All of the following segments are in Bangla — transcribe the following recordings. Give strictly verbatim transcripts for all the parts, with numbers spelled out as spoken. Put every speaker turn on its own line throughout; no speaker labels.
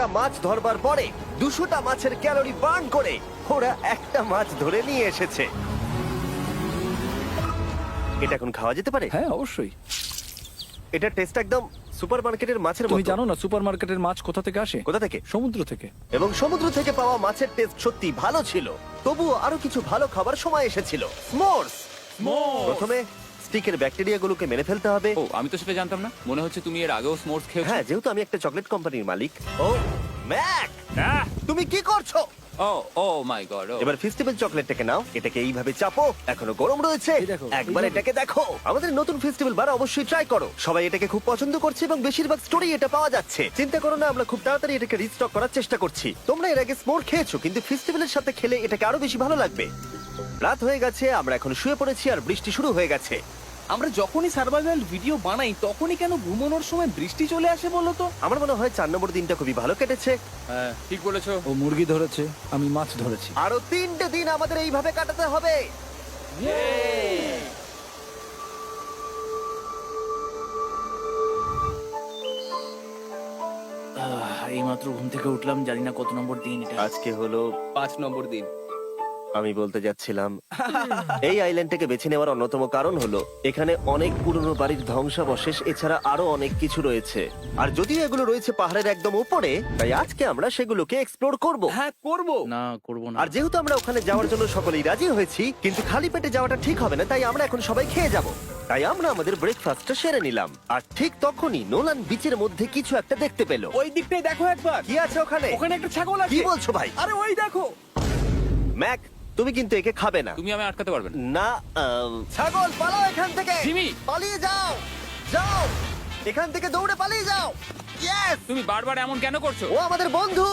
মাছ ধরবার পরে দুশোটা মাছের ক্যালোরি বার্ন করে ওরা একটা মাছ ধরে নিয়ে এসেছে। এটা এখন খাওয়া যেতে পারে?
হ্যাঁ অবশ্যই।
এটা টেস্ট একদম সুপারমার্কেটের মাছের
তুমি
মতো।
জানো না সুপারমার্কেটের মাছ কোথা থেকে আসে?
কোথা থেকে?
সমুদ্র থেকে।
এবং সমুদ্র থেকে পাওয়া মাছের টেস্ট সত্যি ভালো ছিল। তবুও আরো কিছু ভালো খাবার সময় এসেছিল। স্মোর্স। প্রথমে স্টিকের ব্যাকটেরিয়াগুলোকে মেরে ফেলতে হবে।
ও আমি তো সেটা জানতাম না, মনে হচ্ছে তুমি এর আগেও স্মোর্স খেয়েছো।
হ্যাঁ, যেহেতু আমি একটা চকলেট কোম্পানির মালিক। ও ম্যাক,
আহ!
তুমি কি করছো?
ও ও মাই গড।
এবার ফেস্টিভ্যাল চকলেটটাকে নাও, এটাকে এইভাবে চাপো, এখনো গরম রয়েছে।
এই দেখো,
একবার
এই দেখো।
এটাকে দেখো। আমাদের নতুন ফেস্টিভ্যাল বার অবশ্যই ট্রাই করো। সবাই এটাকে খুব পছন্দ করছে এবং বেশিরভাগ স্টোরি এটা পাওয়া যাচ্ছে। চিন্তা করো না, আমরা খুব তাড়াতাড়ি এটাকে রিস্টক করার চেষ্টা করছি। তোমরা এর আগে স্মোর খেয়েছো, কিন্তু ফেস্টিভ্যালের সাথে খেলে এটাকে আরো বেশি ভালো লাগবে। রাত হয়ে গেছে, আমরা এখন শুয়ে পড়েছি আর বৃষ্টি শুরু হয়ে গেছে।
আমরা যখনই সার্ভাইভাল ভিডিও বানাই তখনই কেন ঘুমানোর সময় বৃষ্টি চলে আসে বলো তো?
আমার মনে হয় চার নম্বর দিনটা খুবই ভালো কেটেছে।
হ্যাঁ ঠিক বলেছো।
ও মুরগি ধরেছে, আমি মাছ ধরেছি।
আরো তিনটে দিন আমাদের এইভাবে কাটাতে হবে।
এই মাত্র ঘুম থেকে উঠলাম, জানি না কত নম্বর দিন এটা।
আজকে হলো
পাঁচ নম্বর দিন।
আমি বলতে যাচ্ছিলাম এই আইল্যান্ডটাকে বেছে নেওয়ার অন্যতম কারণ হলো এখানে অনেক পুরনো বাড়ির ধ্বংসাবশেষ, এছাড়া আরো অনেক কিছু রয়েছে। আর যদিও এগুলো রয়েছে পাহাড়ের একদম উপরে, তাই আজকে আমরা সেগুলোকে এক্সপ্লোর করব।
হ্যাঁ করব। না করব না।
আর যেহেতু আমরা ওখানে যাওয়ার জন্য সকলেই রাজি হয়েছি, কিন্তু খালি পেটে যাওয়াটা ঠিক হবে না, তাই আমরা এখন সবাই খেয়ে যাব। তাই আমরা আমাদের ব্রেকফাস্টটা সেরে নিলাম। আর ঠিক তখনই নোলান বিচের মধ্যে কিছু একটা দেখতে পেল।
ওই দিকটাই দেখো একবার।
কি আছে ওখানে?
ওখানে একটা ছাগল আছে।
কি বলছো ভাই?
আরে ওই দেখো।
ম্যাক, তুমি কিন্তু একে খাবে না।
তুমি আমি আটকাতে পারবে না।
না, আম, ছাগল পালাও এখান থেকে।
জিমি!
পালিয়ে যাও, যাও এখান থেকে, দৌড়ে পালিয়ে যাও। ইয়েস!
তুমি বারবার এমন কেন করছো?
ও আমাদের বন্ধু।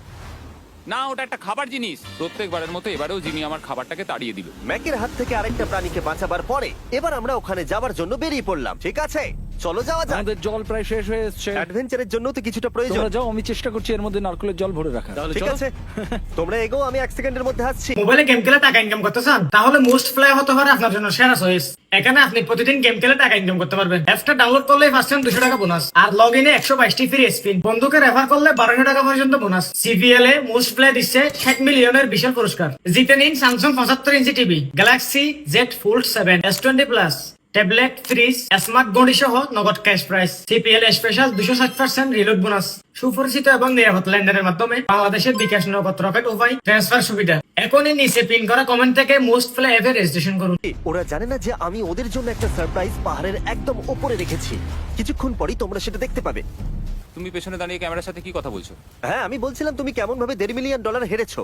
না ওটা একটা খাবার জিনিস। প্রত্যেকবারের মতো এবারেও জিমি আমার খাবারটাকে তাড়িয়ে দিল।
ম্যাকের হাত থেকে আরেকটা প্রাণীকে বাঁচাবার পরে এবার আমরা ওখানে যাবার জন্য বেরিয়ে পড়লাম। ঠিক আছে, চলো যাওয়া যাক।
আমাদের জল প্রায় শেষ হয়ে এসছে।
অ্যাডভেঞ্চারের জন্য তো কিছুটা প্রয়োজন।
তোমরা যাও, আমি চেষ্টা করছি এর মধ্যে নারকেলের জল ভরে রাখা।
তাহলে
ঠিক
চলো।
আছে, তোমরা এগো, আমি এক সেকেন্ডের মধ্যে আসছি।
মোবাইলে গেম খেলে টাকা ইনকাম করতে চান? তাহলে মোস্ট ফ্লাই হতে পারে আপনার জন্য সেরা চয়েস। এখানে আপনি প্রতিদিন গেম খেলে টাকা ইনকাম করতে পারবেন। অ্যাপটা ডাউনলোড করলে ফার্স্ট টাইম দুশো টাকা বোনাস, আর লগ ইনে একশো বাইশটি ফ্রি স্পিন। বন্ধুকে রেফার করলে বারোশো টাকা পর্যন্ত বোনাস। সিপিএল এ মোস্ট ফ্লাই দিচ্ছে ষাট মিলিয়নের বিশাল পুরস্কার। জিতে নিন স্যামসাং পঁচাত্তর ইঞ্চি TV, Galaxy Z Fold seven, S twenty plus, tablet, fridge, smart ঘড়ি সহ নগদ ক্যাশ প্রাইস। সিপিএল স্পেশাল দুশো ষাট পার্সেন্ট রিলোড বোনাস। সুপরিচিত এবং নিরাপদ লেনদেনের মাধ্যমে বাংলাদেশের বিকাশ নগদ রকেট উপায় ট্রান্সফার সুবিধা। এখনই নিচে পিন করা কমেন্ট থেকে মোস্ট ফ্লাই অ্যাপে রেজিস্ট্রেশন করুন।
ওরা জানে না যে আমি ওদের জন্য একটা সারপ্রাইজ পাহাড়ের একদম উপরে রেখেছি। কিছুক্ষণ পরেই তোমরা সেটা দেখতে পাবে।
তুমি পেছনে দাঁড়িয়ে ক্যামেরার সাথে কি কথা বলছো?
হ্যাঁ, আমি বলছিলাম তুমি কেমন ভাবে দেড় মিলিয়ন ডলার হেরেছো।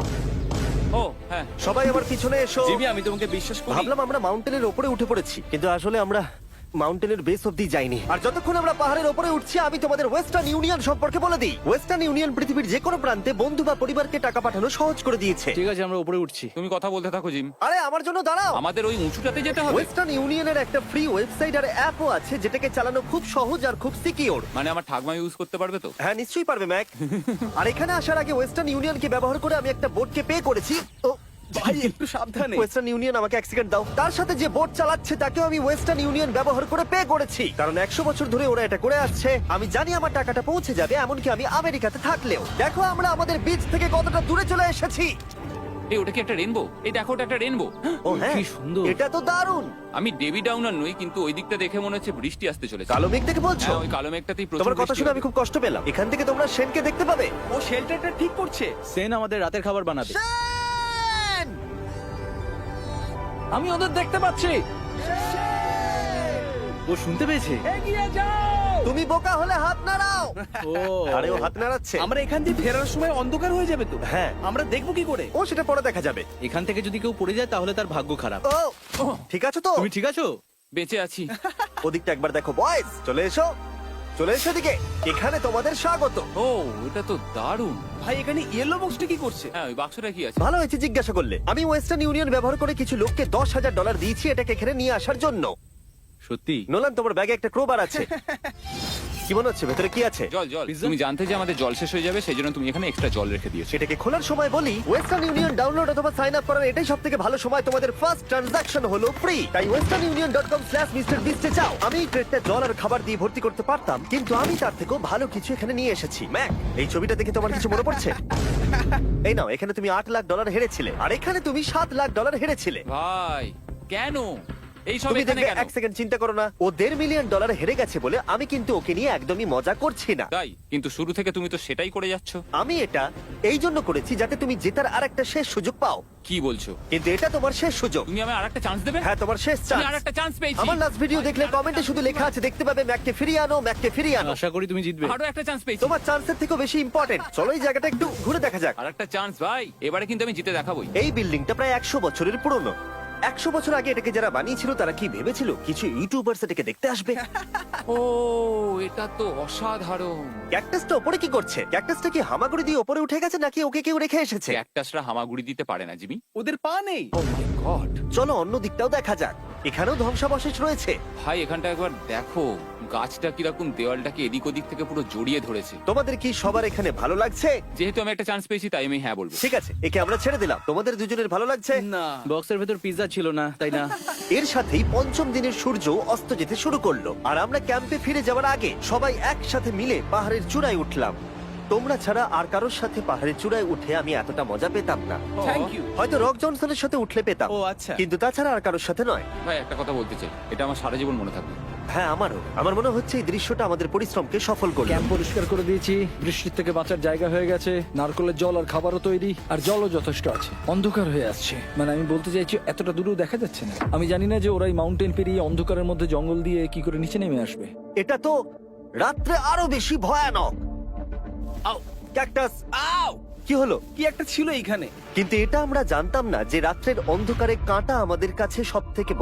ও হ্যাঁ।
সবাই আমার পিছনে এসো।
জিমি আমি তোমাকে বিশ্বাস করি।
ভাবলাম আমরা মাউন্টেনের উপরে উঠে পড়েছি, কিন্তু আসলে আমরা মাউন্টেনের বেস অব্দি যাইনি। আর যতক্ষণ আমরা পাহাড়ের উপরে উঠছি, আমি তোমাদের ওয়েস্টার্ন ইউনিয়ন সম্পর্কে বলে দিই। ওয়েস্টার্ন ইউনিয়ন পৃথিবীর যে কোনো প্রান্তে বন্ধু বা পরিবারকে টাকা পাঠানো সহজ করে দিয়েছে।
ঠিক আছে, আমরা উপরে উঠছি।
তুমি কথা বলতে থাকো জিম।
আরে আমার জন্য দাঁড়াও।
আমাদের ওই উঁচুটাতে যেতে হবে।
ওয়েস্টার্ন ইউনিয়নের একটা ফ্রি ওয়েবসাইট আর অ্যাপও আছে, যেটাকে চালানো খুব সহজ আর খুব সিকিউর।
মানে আমার ঠাকমা ইউজ করতে পারবে তো?
হ্যাঁ, নিশ্চয়ই পারবে ম্যাক। আর এখানে আসার আগে ওয়েস্টার্ন ইউনিয়নকে ব্যবহার করে আমি একটা বোটকে পে করেছি। ও
ভাই একটু সাবধানে।
ওয়েস্টার্ন ইউনিয়ন আমাকে এক সেকেন্ড দাও। তার সাথে যে বোট চালাচ্ছে তাকেও আমি ওয়েস্টার্ন ইউনিয়ন ব্যবহার করে পে করেছি, কারণ একশো বছর ধরে ওরা এটা করে আসছে। আমি জানি আমার টাকাটা পৌঁছে যাবে, এমনকি আমি আমেরিকাতে থাকলেও। দেখো আমরা আমাদের বিচ থেকে কতটা দূরে চলে এসেছি।
এই ওটা কি একটা রেনবো? এই দেখো ওটা একটা রেনবো।
ও হ্যাঁ,
কি সুন্দর।
এটা তো দারুণ।
আমি ডেভি ডাউনার নই, কিন্তু ওই দিকটা দেখে মনে হচ্ছে বৃষ্টি আসতে চলেছে।
কালো মেঘ দেখে বলছো?
হ্যাঁ, ওই কালো মেঘটাতেই প্রচুর
তোমার কথা
বৃষ্টি
শুনে
হবে।
আমি খুব কষ্ট পেলাম। এখান থেকে তোমরা সেনকে দেখতে পাবে।
ও শেল্টারটা ঠিক করছে।
সেন আমাদের রাতের খাবার বানাবে।
সেন!
আমি ওদের দেখতে পাচ্ছি। ও শুনতে পেয়েছে।
এগিয়ে যাও।
তুমি বোকা হলে হাত নাড়াও।
ও
আরে ও হাত নাড়াচ্ছে।
আমরা এখান দিয়ে ফেরার সময় অন্ধকার হয়ে যাবে তো।
হ্যাঁ।
আমরা দেখবো কি করে?
ও সেটা পরে দেখা যাবে।
এখান থেকে যদি কেউ পড়ে যায় তাহলে তার ভাগ্য খারাপ।
ও ঠিক আছে তো?
তুমি ঠিক আছো?
বেঁচে আছি।
ওদিকটা একবার দেখো বয়েজ, চলে এসো, চলে এসো দিকে। এখানে তোমাদের স্বাগত।
ও এটা তো দারুণ।
ভাই এখানে ইয়েলো বক্সটা কি করছে?
হ্যাঁ ওই বাক্সটা কি আছে?
ভালো হয়েছে জিজ্ঞাসা করলে। আমি ওয়েস্টার্ন ইউনিয়ন ব্যবহার করে কিছু লোককে দশ হাজার ডলার দিয়েছি এটাকে এখানে নিয়ে আসার জন্য।
সত্যি?
নোলান, তোমার ব্যাগে একটা ক্রোবার আছে। কি মনে হচ্ছে ভেতরে কি আছে?
জল জল তুমি জানতে যে আমাদের জল শেষ হয়ে যাবে সেই জন্য তুমি এখানে এক্সট্রা জল রেখে দিয়েছো।
সেটাকে খোলার সময় বলি, ওয়েস্টার্ন ইউনিয়ন ডাউনলোড অথবা সাইন আপ করার এটাই সব থেকে ভালো সময়। তোমাদের ফার্স্ট ট্রানজাকশন হলো ফ্রি, তাই Western Union dot com slash mister বিস্টে যাও। আমি এই ক্রেটটা জল আর খাবার দিয়ে ভর্তি করতে পারতাম, কিন্তু আমি তার থেকেও ভালো কিছু এখানে নিয়ে এসেছি। ম্যাক, এই ছবিটা দেখে তোমার কিছু মনে পড়ছে? এই নাও, এখানে তুমি আট লাখ ডলার হেরেছিলে, আর এখানে তুমি সাত লাখ ডলার হেরেছিলে।
ভাই কেন এই সব
তুমি
এখানে
দেখবে,
কেন?
এক সেকেন্ড চিন্তা করো না, ও দেড় মিলিয়ন ডলার হেরে গেছে বলে আমি কিন্তু ওকে নিয়ে একদমই মজা করছি না।
তাই কিন্তু শুরু থেকে তুমি তো সেটাই করে যাচ্ছ।
আমি এটা এই জন্য করেছি যাতে তুমি জেতার আর একটা শেষ সুযোগ পাও,
কি বলছো?
কিন্তু এটা তোমার শেষ সুযোগ।
তুমি আমায় আরেকটা চান্স দেবে?
হ্যাঁ, তোমার শেষ
আমি
চান্স।
আরেকটা চান্স পেয়েছি।
আমার লাস্ট ভিডিও দেখলে কমেন্টে শুধু লেখা আছে, দেখতে পাবে ম্যাককে ফিরিয়ে আনো, ম্যাককে ফিরিয়ে আনো।
আশা করি তুমি জিতবে।
আরো একটা চান্স পেয়েছি।
তোমার চান্সের থেকেও বেশি ইম্পর্টেন্ট। চলো এই জায়গাটা একটু ঘুরে দেখা যাক।
আরেকটা চান্স ভাই, এবারে কিন্তু আমি জিতে দেখাবোই।
এই বিল্ডিংটা প্রায় একশো বছরের পুরনো। একশো বছর আগে এটাকে যারা বানিয়েছিল তারা কি ভেবেছিল কিছু ইউটিউবার্স এটাকে দেখতে আসবে?
ও এটা তো অসাধারণ।
ক্যাকটাসটা ওপরে কি করছে? ক্যাকটাসটা কি হামাগুড়ি দিয়ে ওপরে উঠে গেছে নাকি ওকে কেউ রেখে এসেছে?
ক্যাকটাসরা হামাগুড়ি দিতে পারে না জিমি।
ওদের পা নেই।
Oh my god.
চলো অন্য দিকটাও দেখা যাক। এখানেও ধ্বংসাবশেষ রয়েছে।
ভাই এখানটা একবার দেখো, গাছটা কিরকম দেওয়ালটাকে এদিক ওদিক থেকে পুরো জড়িয়ে ধরেছে।
তোমাদের কি সবার এখানে ভালো লাগছে?
যেহেতু আমি একটা চান্স পেয়েছি তাই আমি হ্যাঁ বলবো।
ঠিক আছে, একে আমরা ছেড়ে দিলাম। তোমাদের দুজনের ভালো লাগছে?
না।
বক্সের ভেতর পিৎজা ছিল না, তাই না?
এর সাথেই পঞ্চম দিনের সূর্য অস্ত যেতে শুরু করলো, আর আমরা ক্যাম্পে ফিরে যাওয়ার আগে সবাই একসাথে মিলে পাহাড়ের চূড়ায় উঠলাম। তোমরা ছাড়া আর কারোর সাথে পাহাড়ের চূড়ায় উঠে আমি এতটা মজা পেতাম না।
Thank you.
হয়তো রক জনসনের সাথে উঠলে পেতাম,
ও আচ্ছা।
কিন্তু তাছাড়া আর কারোর সাথে নয়।
ভাই একটা কথা বলতে চাই, এটা আমার সারা জীবন মনে থাকবে।
হ্যাঁ, আমারও। আমার মনে হচ্ছে এই দৃশ্যটা আমাদের পরিশ্রমকে সফল করলো।
ক্যাম্প পরিষ্কার করে দিয়েছি, বৃষ্টির থেকে বাঁচার জায়গা হয়ে গেছে, নারকেলের জল আর খাবারও তৈরি, আর জলও যথেষ্ট আছে। অন্ধকার হয়ে আসছে, মানে আমি বলতে চাইছি এতটা দূরেও দেখা যাচ্ছে না। আমি জানি না যে ওরা এই মাউন্টেন পেরিয়ে অন্ধকারের মধ্যে জঙ্গল দিয়ে কি করে নিচে নেমে আসবে।
এটা তো রাত্রে আরো বেশি ভয়ানক।
আউ,
ক্যাকটাস,
আউ,
কি হলো?
কি একটা ছিল এইখানে।
কিন্তু এটা আমরা জানতাম না যে রাত্রের অন্ধকারে কাঁটা আমাদের কাছে সব থেকে